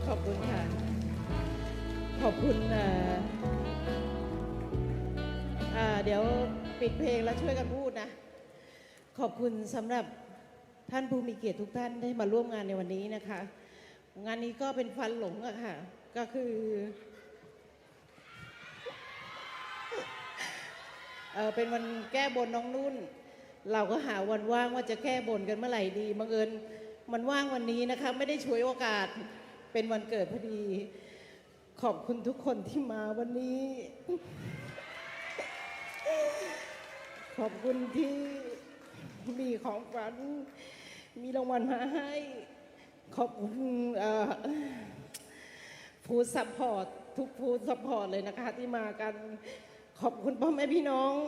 ขอบคุณค่ะขอบคุณเดี๋ยวปิดเพลงแล้วช่วยกันพูดนะขอบคุณสำหรับท่านผู้มีเกียรติทุกท่านได้มาร่วมงานในวันนี้นะคะงานนี้ก็เป็นฟันหลงอะค่ะก็คือเป็นวันแก้บนน้องนุ่นเราก็หาวันว่างว่าจะแก้บนกันเมื่อไหร่ดีบังเอิญมันว่างวันนี้นะคะไม่ได้ฉวยโอกาสเป็นวันเกิดพอดีขอบคุณทุกคนที่มาวันนี้ ขอบคุณที่มีของขวัญมีรางวัลมาให้ขอบคุณฟู้ดซัพพอร์ตทุกฟู้ดซัพพอร์ตเลยนะคะที่มากันขอบคุณพ่อแม่พี่น้อง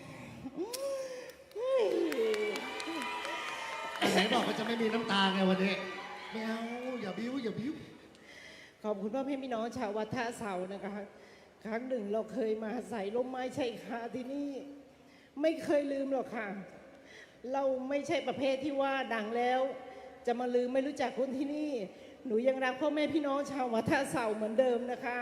ไหนบอกว่าจะไม่มีน้ำตาไงวันนี้ไม่เอาอย่าบิ้วอย่าบิ้วขอบคุณพ่อแม่พี่น้องชาววัดท่าเสานะคะครั้งหนึ่งเราเคยมาใส่ร่มไม้ชายคาที่นี่ไม่เคยลืมหรอกค่ะเราไม่ใช่ประเภทที่ว่าดังแล้วจะมาลืมไม่รู้จักคนที่นี่หนูยังรักพ่อแม่พี่น้องชาววัดท่าเสาเหมือนเดิมนะคะ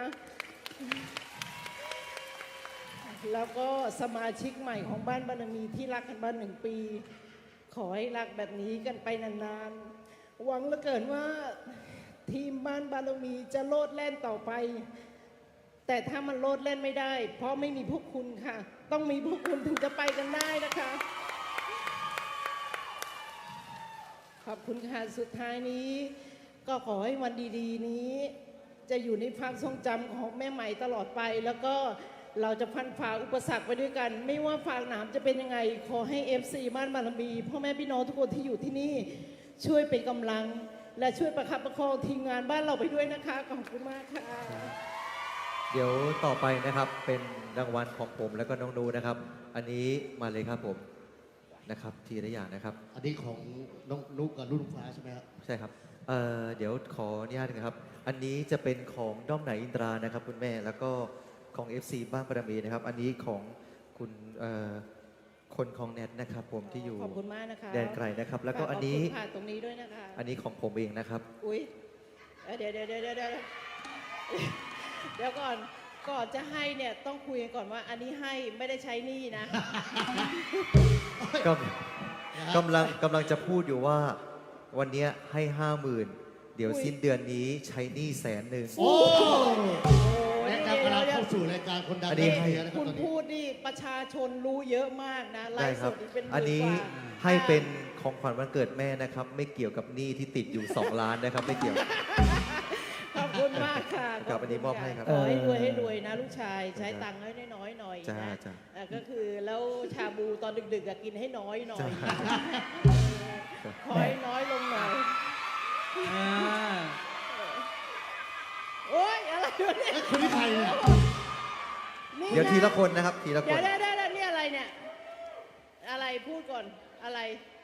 แล้วก็สมาชิกใหม่ของบ้านบารมีที่รักกันมา1 ปีขอให้รักแบบนี้กันไปนานๆหวังเหลือเกินว่าทีมบ้านบารมีจะโลดแล่นต่อไปแต่ถ้ามันโลดแล่นไม่ได้เพราะไม่มีพวกคุณค่ะต้องมีพวกคุณถึงจะไปกันได้นะคะขอบคุณค่ะสุดท้ายนี้ก็ขอให้วันดีๆนี้จะอยู่ในความทรงจำของแม่ใหม่ตลอดไปแล้วก็เราจะพันฝ่าอุปสรรคไปด้วยกันไม่ว่าฝากหนามจะเป็นยังไงขอให้ FC บ้านบารมีพ่อแม่พี่น้องทุกคนที่อยู่ที่นี่ช่วยเป็นกำลังและช่วยประคับประคองทีมงานบ้านเราไปด้วยนะคะขอบคุณมากค่ะเดี๋ยวต่อไปนะครับเป็นรางวัลของผมแล้วก็น้องนูนะครับอันนี้มาเลยครับผมนะครับทีละอย่างนะครับอันนี้ของน้องนุ๊กกับรุ่นฟ้าใช่ไหมครับใช่ครับเดี๋ยวขออนุญาตนะครับอันนี้จะเป็นของด้อมไหนอินทรานะครับคุณแม่แล้วก็ของ FC บ้านบารมีนะครับอันนี้ของคุณคนของแนทนะครับผมที่อยู่ขอบคุณมากนะคะแดนไกลนะครับแล้วก็อันนี้ผ่านตรงนี้ด้วยนะคะอันนี้ของผมเองนะครับอุ้ยเดี๋ยวก่อนจะให้เนี่ยต้องคุยกันก่อนว่าอันนี้ให้ไม่ได้ใช้หนี้นะกำลังจะพูดอยู่ว่าวันนี้ให้50,000เดี๋ยวสิ้นเดือนนี้ใช้หนี้100,000 โอ้รายการกำลังเข้าสู่รายการคนดังได้ให้นะครับคุณพูดนี่ประชาชนรู้เยอะมากนะไลฟ์สดนี่เป็นอันนี้ให้เป็นของขวัญวันเกิดแม่นะครับไม่เกี่ยวกับหนี้ที่ติดอยู่2 ล้านนะครับไม่เกี่ยวขอบคุณมากค่ะกับอันนี้มอบให้ครับขอให้รวยนะลูกชายใช้ตังค์ให้น้อยหน่อยนะก็คือแล้วชาบูตอนดึกๆกินให้น้อยหน่อยขอให้น้อยลงหน่อยโอ๊ยอะไรวะเนี่ยคนที่ใครเนี่ยเดี๋ยวทีละคนนะครับทีละคนเดี๋ยวนี่อะไรเนี่ยอะไรพูดก่อนอะไร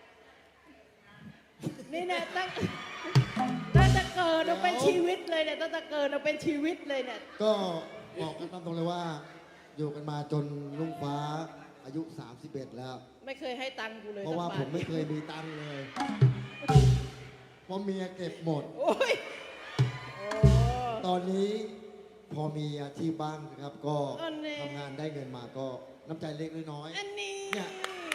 นี่เนี่ยตั้งแต่เกิดเราเป็นชีวิตเลยเนี่ยตั้งแต่เกิดเราเป็นชีวิตเลยเนี่ยก็บอกกันตามตรงเลยว่าอยู่กันมาจนลุงฟ้าอายุ31แล้วไม่เคยให้ตังค์กูเลยเพราะว่าผมไม่เคยมีตังค์เลยเพราะเมียเก็บหมดตอนนี้พอมีอาชีพบ้างนะครับก็ทำงานได้เงินมาก็น้ำใจเล็กน้อยอันนี้เนี่ย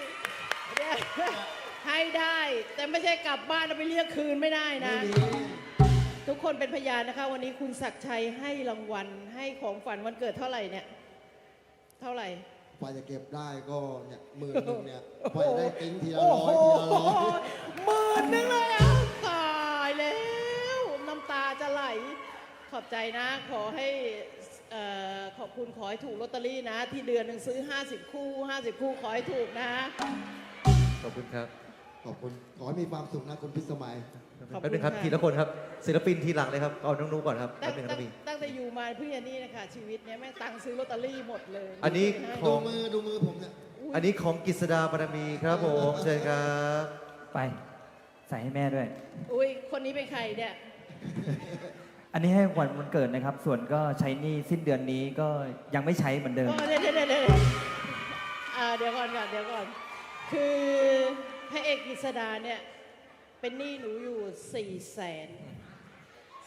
ให้ได้แต่ไม่ใช่กลับบ้านแล้วไปเรียกคืนไม่ได้นะทุกคนเป็นพยานนะคะวันนี้คุณศักดิ์ชัยให้รางวัลให้ของฝันวันเกิดเท่าไหร่เนี่ยเท่าไหร่พอจะเก็บได้ก็เนี่ย10,000เนี่ยพอจะได้ติ้งทีละ100ทีละ100 10,000เลยอ่ะตายแล้วน้ำตาจะไหลขอบใจนะขอให้ขอบคุณขอให้ถูกลอตเตอรี่นะที่เดือนหนึ่งซื้อ50 คู่ขอให้ถูกนะขอบคุณครับขอบคุณขอให้มีความสุขนะคุณพิสมัยแป๊บนึงครับทีละคนครับศิลปินทีหลังเลยครับเอาน้องนุ๊กก่อนครับแป๊บนึงครับพี่ตั้งแต่อยู่มาเพื่อนนี่นะคะชีวิตเนี้ยแม่ตังซื้อลอตเตอรี่หมดเลยอันนี้ดูมือผมเนี่ยอันนี้ของกฤษดาบารมีครับผมเชิญครับไปใส่ให้แม่ด้วยอุ้ยคนนี้เป็นใครเนี่ยอันนี้ให้วันเกิดนะครับส่วนก็ใช้หนี้สิ้นเดือนนี้ก็ยังไม่ใช้เหมือนเดิมเดี๋ยวก่อนคือพระเอกกฤษดาเนี่ยเป็นหนี้หนูอยู่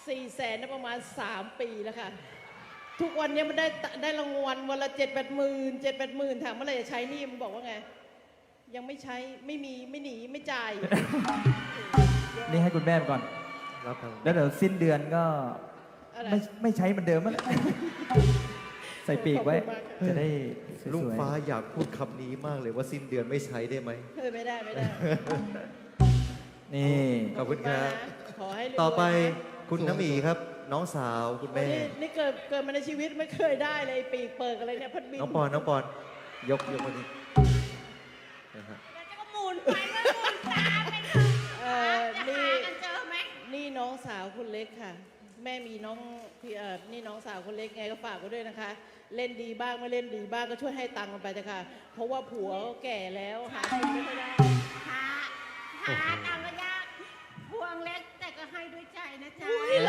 400,000นะประมาณ 3 ปีแล้วค่ะ ทุกวันนี้มันได้รางวัลวันละ7-8 หมื่นถามเมื่อไหร่จะใช้หนี่มันบอกว่าไง ยังไม่ใช้ไม่มีไม่หนีไม่จ่ายนี่ให้คุณแม่ไปก่อนรับครับแล้วเดี๋ยวสิ้นเดือนก็อะไรไม่ใช้เหมือนเดิมแล้วแหละ ใส่ปีกไว้ขอบคุณมากค่ะจะได้สลุงวยฟ้าอยากพูดคำนี้มากเลยว่าสิ้นเดือนไม่ใช้ได้ไหมไม่ได้ไม่ได้ๆนี่ขอบคุณครับขอให้รวยๆต่อไปนะคุณน้ำหมีครับ น้องสาวคุณแม่นี่เกิดมาในชีวิตไม่เคยได้เลยปีกเปิดอะไรเนี่ยพัดบินน้องปอนยกมาดินะฮะเดี๋ยวจะก็หมุนไปแล้วหมุนตามไปค่ะ จะนี่หากันเจอไหมนี่น้องสาวคนเล็กค่ะ แม่มีน้องพี่นี่น้องสาวคนเล็กไงก็ฝากไว้ด้วยนะคะ เล่นดีบ้างไม่เล่นดีบ้างก็ช่วยให้ตังค์มันไปเถอะค่ะ เพราะว่าผัวก็แก่แล้วหากินไม่ค่อยได้หาตามระยะพวงเล็กแต่ก็ให้ด้วยใจนะจ๊ะ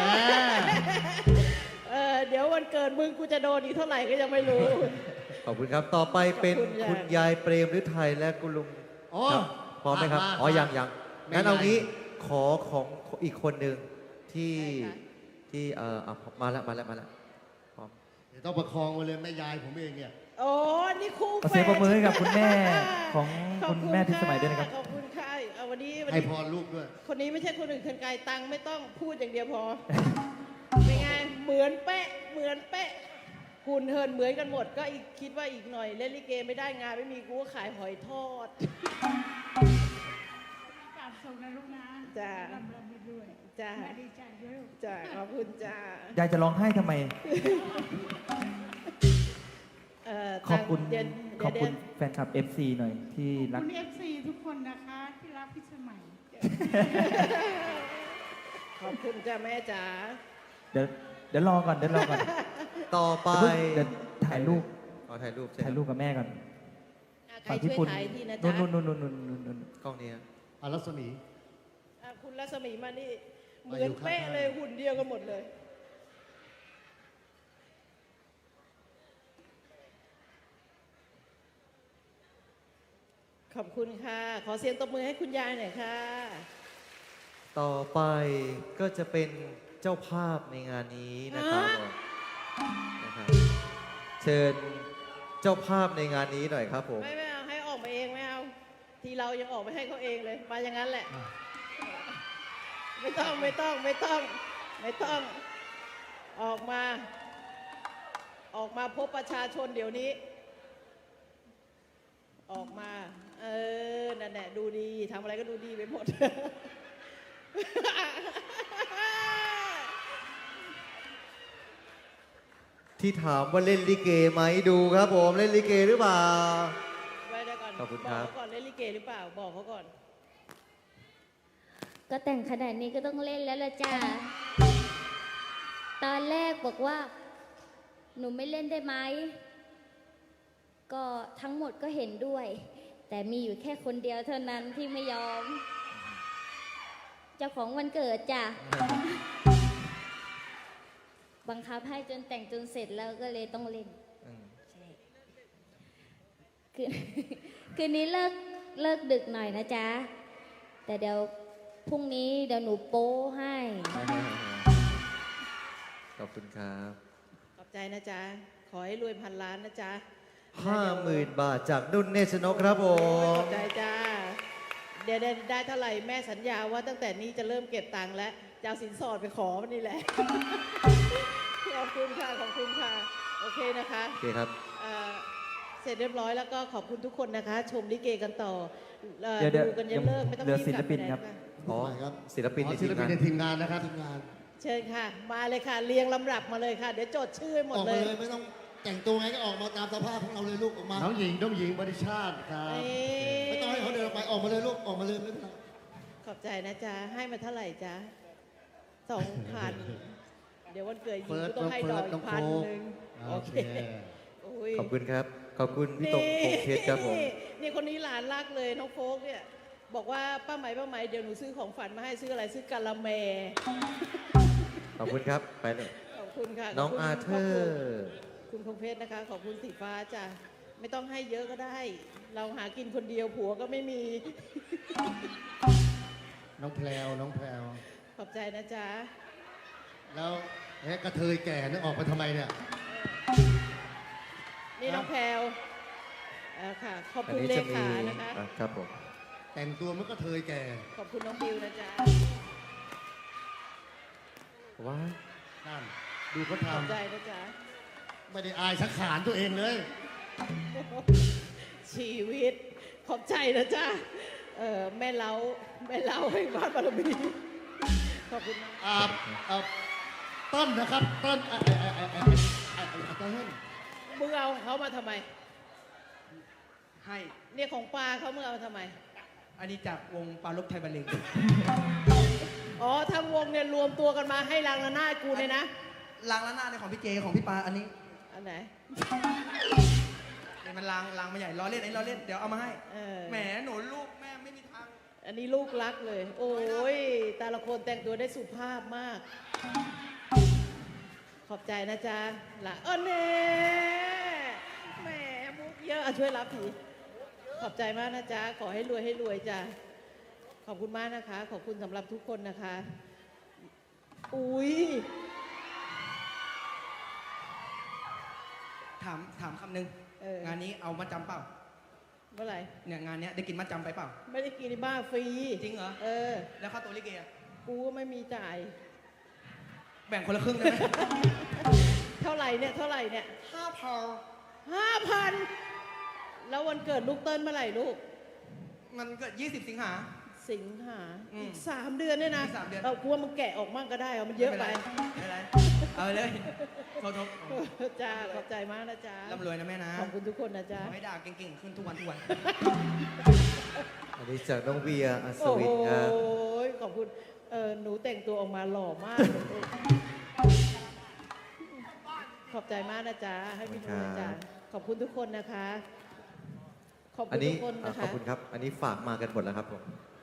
เดี๋ยววันเกิดมึงกูจะโดนอีกเท่าไหร่ก็ยังไม่รู้ขอบคุณครับ ต่อไปเป็นขอบคุณค่ะคุณยายเปรมฤทัยและคุณลุงอ๋อครับพร้อมไหมครับมาอ๋อ ยังไม่งั้นเอาใหญ่งี้ขอของอีกคนหนึ่งที่ได้ค่ะที่มาแล้วพร้อมเดี๋ยวต้องประคองมาเลยแม่ยายผมเองเนี่ยโอ้นี่คู่ขอเสียงปรบมือให้กับคุณแม่ของขอบคุณแม่ที่สมัยด้วยนะครับขอบคุณค่ะเอาวันนี้ให้พรลูกด้วยคนนี้ไม่ใช่คนอื่นคนไกลตังค์ไม่ต้องพูดอย่างเดียวพอ เป็นไง เหมือนเป๊ะ เหมือนเป๊ะหุ่นเหินเหมือนกันหมด ก็อีกคิดว่าอีกหน่อยเล่นลิเกไม่ได้งานไม่มีกูก็ขายหอยทอดกราบส่งนะลูกนะจ้าร่ำไปด้วยจ้าแม่ดีใจด้วยลูกจ้าขอบคุณจ้ายายจะร้องไห้ทำไม ขอบคุณเดี๋ยวขอบคุณเดี๋ยวแฟนคลับ FC หน่อยที่รักคุณ FC ทุกคนนะคะที่รักพี่สมัยขอบคุณจ้าแม่จ๋าเดี๋ยวรอก่อนต่อไปเดี๋ยวถ่ายรูปถ่ายรูปใช่ถ่ายรูปกับแม่ก่อนใครช่วยถ่ายทีนะนู่จ๊ะนกล้องนี้ฮะอารัศมีคุณรัศมีมานี่ เหมามืออนยู่ข้างๆเป๊ะเลยหุ่นเดียวกันหมดเลย ขอบคุณค่ะ ขอเสียงตบมือให้คุณยายหน่อยค่ะต่อไปก็จะเป็นเจ้าภาพในงานนี้นะครับนะครับ เชิญเจ้าภาพในงานนี้หน่อยครับผมไม่เอาให้ออกมาเองไม่เอา ทีเรายังออกไปให้เขาเองเลยมาอย่างนั้นแหละ ไม่ต้องออกมาพบประชาชนเดี๋ยวนี้ ออกมานั่นแหละดูดีทำอะไรก็ดูดีไปหมดที่ถามว่าเล่นลิเกไหมดูครับผมเล่นลิเกหรือเปล่าไว้ได้ก่อนขอบคุณครับอกเขาก่อนเล่นลิเกหรือเปล่าบอกเขาก่อนก็แต่งขนาดนี้ก็ต้องเล่นแล้วละจ้า ตอนแรกบอกว่า หนูไม่เล่นได้ไหม ก็ทั้งหมดก็เห็นด้วย แต่มีอยู่แค่คนเดียวเท่านั้นที่ไม่ยอม เจ้าของวันเกิดจ้ะ บังคับให้จนแต่งจนเสร็จแล้วก็เลยต้องเล่นอืมใช่คืน คืนนี้เลิกดึกหน่อยนะจ๊ะ แต่เดี๋ยวพรุ่งนี้เดี๋ยวหนูโป้ให้ขอบคุณครับขอบใจนะจ๊ะ ขอให้รวยพันล้านนะจ๊ะ 50,000 บาทจากนุ่นเนชนกครับผขมอบใจจ้า เดี๋ยวได้เท่าไหร่แม่สัญญาว่าตั้งแต่นี้จะเริ่มเก็บตังค์แล้วจะเอาสินสอดไปขอมันนี่แหละ ขอบคุณค่ะ ขอบคุณค่ะ โอเคนะคะโอเคครับเสร็จเรียบร้อยแล้วก็ขอบคุณทุกคนนะคะ ชมลิเกกันต่อเดี๋ยวดูกันยันเลิกไม่ต้องเหลือรีบศิกลลับปินไปไหครับะอ๋อไหนครับศิลปินในศิทีลมปินงานในทีมงานนะครับทีมงานเชิญค่ะ มาเลยค่ะ เรียงลำดับมาเลยค่ะ เดี๋ยวจดชื่อให้หมอดอกเลมาย เลยไม่ต้องแต่งตัวไงก็ออกมาตามสภาพของเราเลยลูกออกมาน้องหญิงบริชาติครับไม่ต้องให้เขาเดินออกไปออกมาเลยลูกออกมาเลยไม่เป็นไรขอบใจนะจ๊ะ ให้มาเท่าไหร่จ๊ะ2,000 เดี๋ยววันเกิดหญิงเฟิร์สก็ต้องให้ดอกน้อีองกโฟพันกหนึ่งโอเคโอ้ยขอบคุณครับ ขอบคุณพี่ตงพงเพชรครับผมนี่คนนี้หลานรักเลยน้องโฟกเนี่ย บอกว่าป้าไหมเดี๋ยวหนูซื้อของฝันมาให้ซื้ออะไรซื้อกะละแมขอบคุณครับ ไปเลยขอบคุณค่ะน้องขบคุณอาเธอร์คุณพงเพชรนะคะ ขอบคุณสีฟ้าจ้ะ ไม่ต้องให้เยอะก็ได้ เราหากินคนเดียวผัวก็ไม่มีน้องแพรวขอบใจนะจ๊ะแล้วกระเทยแก่นึกออกไปทำไมเนี่ยนี่น้องแพลวค่ะ ขอบอันคุณนี้เลจะมีขานะคะครับผมแต่งตัวมันก็เทยแก่ขอบคุณน้องบิวนะจ๊ะว้าวนั่น ดูเขาขอบทำใจนะจ๊ะไม่ได้อายสักขานตัวเองเลยชีวิต ขอบใจนะจ๊ะแม่เล้าให้บ้านบารมี ขอบคุณมากต้นนะครับต้นต้นมึงเอาของเขามาทำไมให้เนี่ยของปลาเขามึงเอามาทำไมอันนี้จากวงปลาลบไทยบัลเลงอ๋อทั้งวงเนี่ยรวมตัวกันมาให้รางระนาดกูเนี่ยนะล้างละหน้าในของพี่เจของพี่ปาอันนี้อันไหนเนี่ยมันล้างมาใหญ่ล้อเล่นอันนี้ล้อเล่นเดี๋ยวเอามาให้เออแหมหนูลูกแม่ไม่มีทางอันนี้ลูกรักเลย โอ้ยแต่ละคนแต่งตัวได้สุภาพมาก ขอบใจนะจ๊ะละเน่แหมมุกเยอะช่วยรับทีขอบใจมากนะจ๊ะ ขอให้รวยจ้ะ ขอบคุณมากนะคะ ขอบคุณสำหรับทุกคนนะคะ อุ้ยถามคำหนึ่ง งานนี้เอามาจำเปล่าเมื่อไหร่เนี่ยงานเนี้ยได้กินมาจำไปเปล่าไม่ได้กินในบ้านฟรีจริงเหรอ แล้วค่าตัวลิเกอะกูก็ไม่มีจ่ายแบ่งคนละครึ่งได้ไหมเท่าไหร่เนี่ย 5,000 5,000 แล้ววันเกิดลูกเติ้ลเมื่อไหร่ลูกมันเกิด20 สิงหาสิงหาอืมอีก3 เดือนเนี่ยนะอีก3 เดือนกูว่ามึงแกะออกมั่งก็ได้เอามันเยอะไปไม่เป็นไรเอาเลยโทษจ้า ขอบใจมากนะจ๊ะร่ำรวยนะแม่นะขอบคุณทุกคนนะจ๊ะขอให้ด่าเก่งๆขึ้นทุกวันอันนี้จากน้องเวียอัศโอ้วิโหนครับขอบคุณ หนูแต่งตัวออกมาหล่อมากเลยลูกขอบใจมากนะจ๊ะ ให้พี่ดูนะจ๊ะ ขอบคุณทุกคนนะคะ ขอบอัคุนณนี้ทุกคนนะขอบคะคุณครับ อันนี้ฝากมากันหมดแล้วครับผม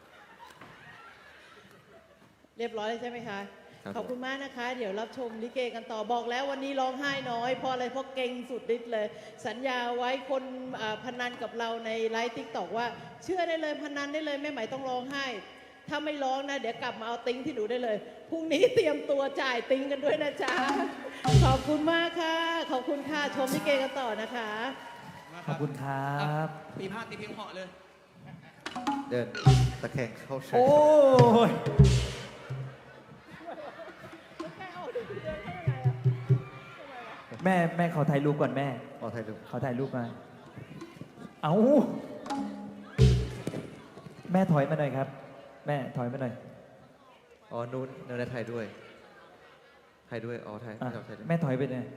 เรียบร้อยแล้วใช่ไหมคะครับขอบคุณมากนะคะ เดี๋ยวรับชมลิเกกันต่อบอกแล้ววันนี้ร้องไห้น้อยเพราะอะไรเพราะเก่งสุดฤทธิ์เลย สัญญาไว้คนพนันกับเราในไลฟ์ติ๊กตอกว่า เชื่อได้เลยพนันได้เลยแม่ไหมต้องร้องไห้ ถ้าไม่ร้องนะ เดี๋ยวกลับมาเอาติ้งที่หนูได้เลยพรุ่งนี้เตรียมตัวจ่ายติ้งกันด้วยนะจ๊ะขอบคุณมากค่ะ ขอบคุณค่ะชมลิเกกันต่อนะคะขอบคุณครับปีพาดตีเพียงเหาะเลยเดินตะแคงเข้าเชิญโอ้ย แม่ขอถ่ายรูปก่อนแม่ขอถ่ายรูปขอถ่ายรูปมา เอาแม่ถอยมาหน่อยครับ แม่ถอยมาหน่อยอ๋อนู้นนะถ่ายด้วย ถ่ายด้วย อ๋อ ถ่ายอ่ะเราถ่ายด้วยแม่ถอยไปหน่อย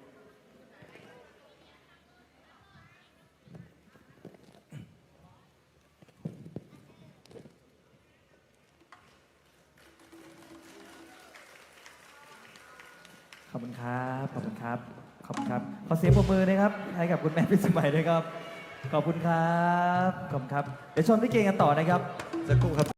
ขอบคุณครับ ขอบคุณครับ ขอบคุณครับ ขอเสียงปรบมือนะครับ ให้กับคุณแม่พิสมัยด้วยครับ ขอบคุณครับ ขอบคุณครับ เดี๋ยวชมลิเกกันต่อนะครับสักครู่ครับ